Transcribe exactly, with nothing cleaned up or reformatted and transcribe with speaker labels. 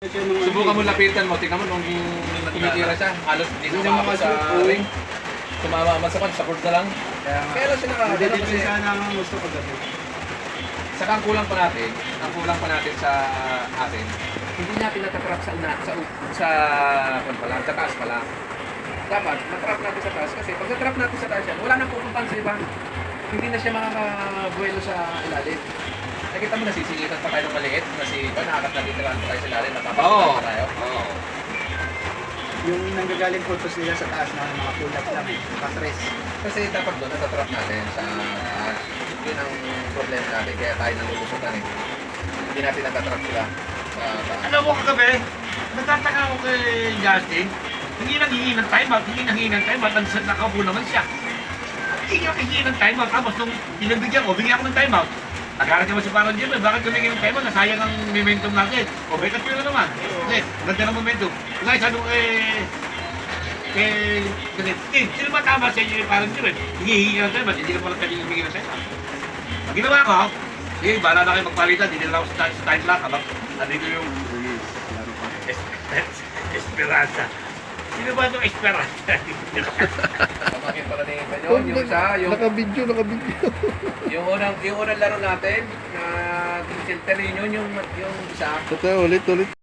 Speaker 1: Subukan mo lapitan mo, tingnan mo nung tumitira siya, halos hindi na makakot sa ring. Tumama man sa kwan, sa court na lang. Kaya lang siya nakakagano kasi
Speaker 2: sana ang gusto ko dati.
Speaker 1: saka ang kulang pa natin, ang kulang pa natin sa atin, hindi natin natatrap sa una, sa sa kwan pa lang, sa taas pa lang. Dapat matrap natin sa taas kasi pag natrap natin sa taas yan, wala nang pupuntahan sa iba. Hindi na siya makakabuelo sa ilalim. Nakita mo nasisingitan pa tayo ng maliit na si Kwan, nakakat na literal pa tayo sa ilalim, napapasukan pa tayo. Oo.
Speaker 2: Yung nanggagaling photos nila sa taas na mga pull-up lang eh, patres.
Speaker 1: Kasi dapat doon natatrap natin sa taas. Yun ang problema natin, kaya tayo nalulusutan eh. Hindi natin natatrap sila sa taas.
Speaker 3: Alam mo kagabi, nagtataka ako kay Justin, hindi nanghingi ng timeout, hindi nanghingi ng timeout, ang nakaupo naman siya. Hindi niya nanghingi ng timeout, tapos nung pinagbigyan ko, bigyan ako ng timeout. Nagalit naman si Parang Jim, eh, bakit kumingin ng timeout, nasayang ang momentum natin. O, bekas ko na naman. Kasi, ganda ng momentum. Kaya sabi ko eh, eh, kasi, eh, sino ba tama sa inyo ni Parang Jim eh? Hinihingi ng timeout, hindi naman lang pwede humingi ng timeout. Ang ginawa ko, sige, bahala na kayo magpalitan, hindi na ako sa sa time lock, habang nandito yung Esperanza. Sino ba itong Esperanza?
Speaker 1: Pamakin pala ni Panyon, yung isa, yung,
Speaker 4: Naka-video, naka-video.
Speaker 1: yung unang, yung unang laro natin, na Team Center Union, yung, yung isa,
Speaker 4: Ito, ulit, ulit.